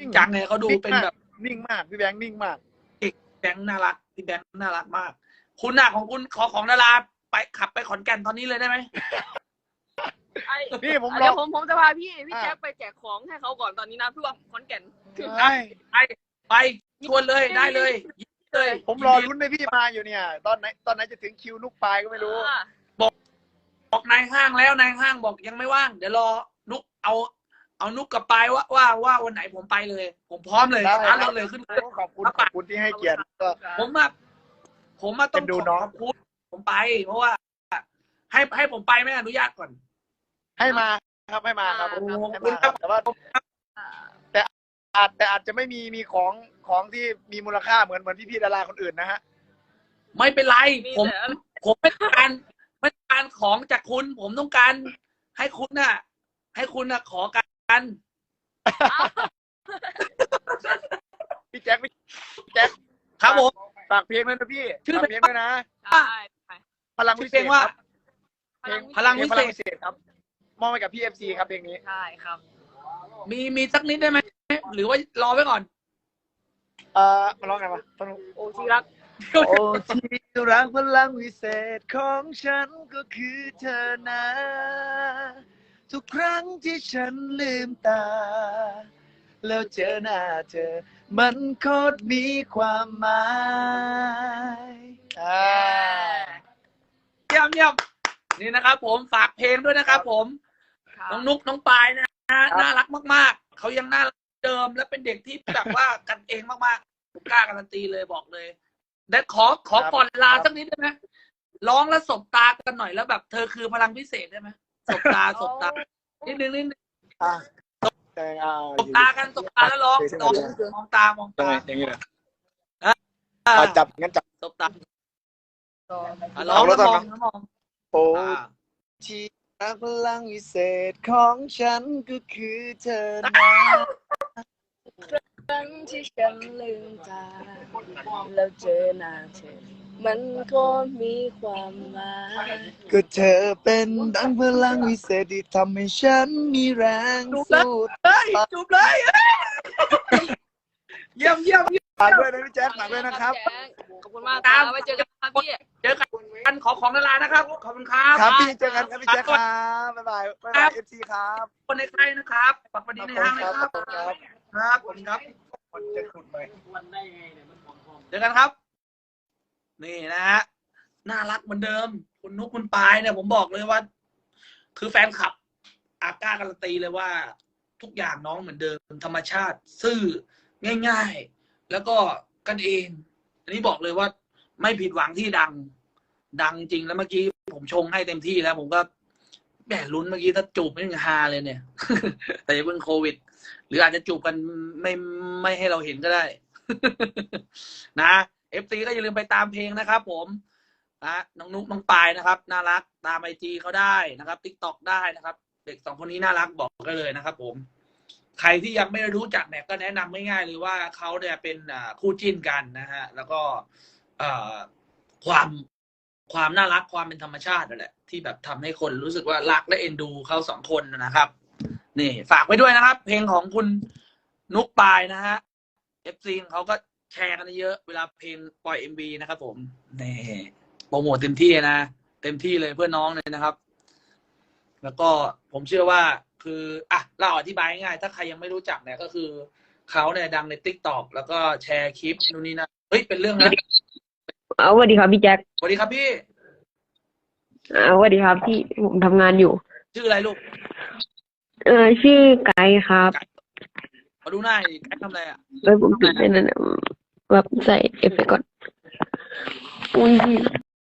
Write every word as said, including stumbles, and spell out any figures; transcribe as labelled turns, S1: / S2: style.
S1: ริงจังไงเขาดูเป็นแบบ
S2: นิ่งมากพี่แบงค์นิ่งมาก
S1: แบงค์น่ารักพี่แบงค์น่ารักมากคุณน่ะของคุณขอของดาราไปขับไปขอนแก่นตอนนี้เลยได้ไหม
S2: พี่ผมร
S3: เดี๋
S2: อ
S3: ยวผมผมจะพาพี่พี่แจ็คไปแจกของให้เขาก่อนตอนนี้นะพี่ว่าขอนแก่น
S1: ไปไปไปชวนเลยได้เลยเลย
S2: ผมรอลุ้นให้พี่มาอยู่เนี่ย ตอนไหนตอนไหนจะถึงคิวนุกปลายก็ไม่รู้
S1: บอกนายห้างแล้วนายห้างบอกยังไม่ว่างเดี๋ยวรอนุกเอาเอานุกกับปายว่าว่าว่าวันไหนผมไปเลย ผมพร้อมเลยร้านเราเลยขึ้นเลย
S2: ขอบคุณขอบคุณที่ให้เกียรติก็
S1: ผมมาผมมาต้องขอบคุณผมไป เพราะว่า ให้ให้ผมไปไม่อนุญาตก่อน
S2: ให้มาครับให้มาครับ
S1: ขอบคุณ
S2: แต่ว่าแต่อาจแต่อาจจะไม่มีมีของของที่มีมูลค่าเหมือนเหมือนพี่ๆดาราคนอื่นนะฮะ
S1: ไม่เป็นไรผมผมไม่ต้องการไม่ต้องการของจากคุณ ผมต้องการให้คุณน่ะ ให้คุณน่ะขอกัน
S2: พี่แจ็คพี่แจ็ค
S1: ครับผม
S2: ฝากเพลงด้วยนะพี่ชื่อเพลงด้วยนะพลังวิเศษ
S1: ว่า
S2: เพลง
S1: พลังวิเศษ
S2: ครับมอบให้กับพี่เอฟซีครับเพลงนี้
S3: ใช่ครับ
S1: มีมีสักนิดได้ไหมหรือว่ารอไว้ก่อน
S2: เอ่อมาร้องไงวะ
S3: โอ้ที่รัก
S2: โอ้ที่รักพลังวิเศษของฉันก็คือเธอนะทุกครั้งที่ฉันลืมตาแล้วเจอหน้าเธอมันโคตรมีความหมาย
S1: เยี่ยมเยี่ยมนี่นะครับผมฝากเพลงด้วยนะครับผมน้องนุ๊กน้องปายนะน่ารักมากๆเขายังน่ารักเดิมและเป็นเด็กที่แบบว่ากันเองมากๆผมกล้าการันตีเลยบอกเลยและขอขอก่อนลาสักนิดได้ไหมร้องแล้วสบตากันหน่อยแล้วแบบเธอคือพลังพิเศษได้ไหมสบตาสบตานิดนึงนิดนึงสบตากันสบตาแล้วร้องร้องมองตามองตา
S2: อย่างนี้เลย
S1: จั
S2: จับงั้นจับ
S1: สบตาร้องแล้วมองแล้วมอง
S2: โอ้ที่รักพลังวิเศษของฉันก็คือเธอนะ
S3: ครั้งที่ฉันลืมตาแล้วเจอหน้าเธอมันก็มีความหมาย
S2: ก็เธอเป็นดังพลังวิเศษที่ทำให้ฉันมีแรงสู้
S1: จูบเลยเยี่ยมเยี่ยม
S2: ฝากด้วยนะพี่แจ๊คฝากด้วยนะครับ
S3: ขอบคุณมากครับไว้เจอกันครับพี่
S1: เจอกันขอของดารานะครับขอบคุณครับ
S2: ครับพี่เจอกันครับพี่แจ๊คครับบ๊ายบายบ๊ายบายเอฟซีครับ
S1: คนในค่ายนะครับฝากประเด็นในห้างนะครับครับผมครับ
S2: คนจะขุดไหม
S1: เจอกันครับนี่นะฮะน่ารักเหมือนเดิมคุณนุ๊กคุณปายเนี่ยผมบอกเลยว่า คือแฟนคลับอากล้าการันตีเลยว่าทุกอย่างน้องเหมือนเดิมธรรมชาติซื่อง่ายๆแล้วก็กันเองอันนี้บอกเลยว่าไม่ผิดหวังที่ดังดังจริงแล้วเมื่อกี้ผมชงให้เต็มที่แล้วผมก็แหมลุ้นเมื่อกี้ถ้าจูบไม่ฮาเลยเนี่ย แต่ยังเพิ่งโควิดหรืออาจจะจูบกันไม่ไม่ให้เราเห็นก็ได้ นะเอฟซีก็อย่าลืมไปตามเพลงนะครับผมนะน้องนุ๊กน้องปายนะครับน่ารักตามไอจีเขาได้นะครับติ๊กต็อกได้นะครับเด็กสองคนนี้น่ารักบอกกันเลยนะครับผมใครที่ยังไม่รู้จักเนี่ยก็แนะนำง่ายๆเลยว่าเขาเนี่ยเป็นคู่จิ้นกันนะฮะแล้วก็ความความน่ารักความเป็นธรรมชาตินั่นแหละที่แบบทำให้คนรู้สึกว่ารักและเอ็นดูเขาสองคนนะครับนี่ฝากไว้ด้วยนะครับเพลงของคุณนุ๊กปายนะฮะเอฟซีเขาก็แชร์กันเยอะเวลาเพลงปล่อย เอ็ม วี นะครับผมนี่โปรโมทเต็มที่นะเต็มที่เลยเพื่อน้องเลยนะครับแล้วก็ผมเชื่อว่าคืออ่ะเราอธิบายง่ายๆถ้าใครยังไม่รู้จักเนี่ยก็คือเขาเนี่ยดังใน ติ๊กต็อก แล้วก็แชร์คลิปนู่นนี่นะเฮ้ยเป็นเรื่องนะ
S4: เอาสวัสดีครับพี่แจ็ค
S1: สวัสดีครับพี่
S4: อ่าสวัสดีครับพี่ผมทำงานอยู่
S1: ชื่ออะไรลูก
S4: เออชื่อไกด์ครับ
S1: มาดูหน้าไกด์ทำอะไรอ่ะ
S4: เออผมปิดได้นั่นแบบใส่เอฟเฟกต์ก่อนอุ้ย